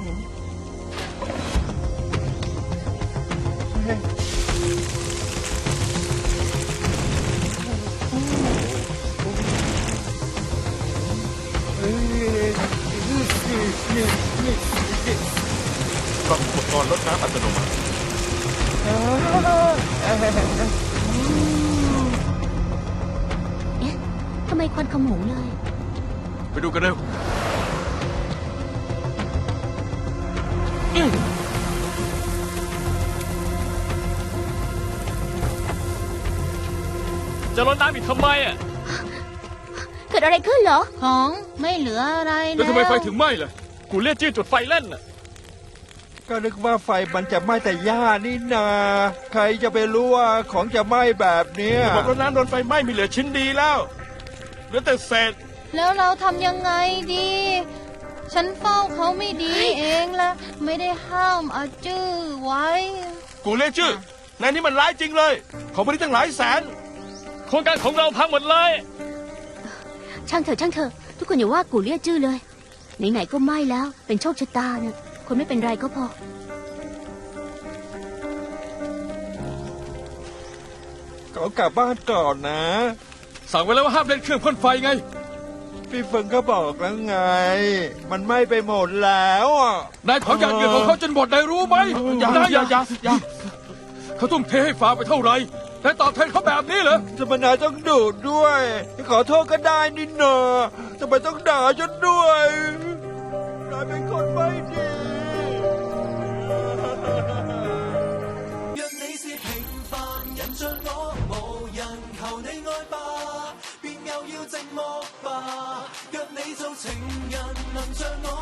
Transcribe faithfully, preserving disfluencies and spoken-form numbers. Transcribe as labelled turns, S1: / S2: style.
S1: ปรับอุปกรณ์ลดน้ำอัตโนมัติ
S2: เอ๊ะทำไมควันขโมงเลย
S1: ไปดูกันเร็วจะลดน้ำอีกทำไมอ่ะ
S2: เกิดอะไรขึ้นเหรอ
S3: ของไม่เหลืออะไรแล้ว
S1: แล้วทำไมไฟถึงไหม้ล่ะกูเรียกจี้จุดไฟเล่นน่ะ
S4: ก็นึกว่าไฟมันจะไหม้แต่หญ้านี่นา ใครจะไปรู้ว่าของจะไหม้แบบเนี้ย
S1: บอกว่าน้ำโดนไฟไหม้มีเหลือชิ้นดีแล้วเหลือแต่เศษ
S3: แล้วเราทำยังไงดี ฉันเฝ้าเขาไม่ดีเองละไม่ได้ห้ามอาจื้อไว้
S1: กูเรียกชื่อนายนี่มันร้ายจริงเลยของบริตั้งหลายแสนโครงการของเราพังหมดเลย
S2: ช่างเถอะช่างเถอะทุกคนอย่าว่ากูเรียกชื่อเลยไหนๆก็ไม่แล้วเป็นโชคชะตาเนี่ยคนไม่เป็นไรก็พอ
S4: ขอกลับบ้านก่อนนะ
S1: สั่งไว้แล้วว่าห้ามเล่นเครื่องพ่นไฟไง
S4: พี่เฟิงก็บอกแล้วไง มันไหม้ไปหมดแล้วอ่ะ
S1: นายเผาหยาดเหงื่อของเขาจนหมดได้รู้ไหมอย่าอย่าอย่าอย่าเขาทุ่มเทให้ฟาไปเท่าไหร่แต่ตอบแทนเขาแบบนี้เหรอ
S4: ทำไมนายต้องดูดด้วย ขอโทษก็ได้นี่นาทำไมต้องด่าฉันด้วยนายเป็นคนไม่ดี
S5: 若你是平凡人像我，無人求你愛吧，便又要寂寞吧。若你做情人能像我。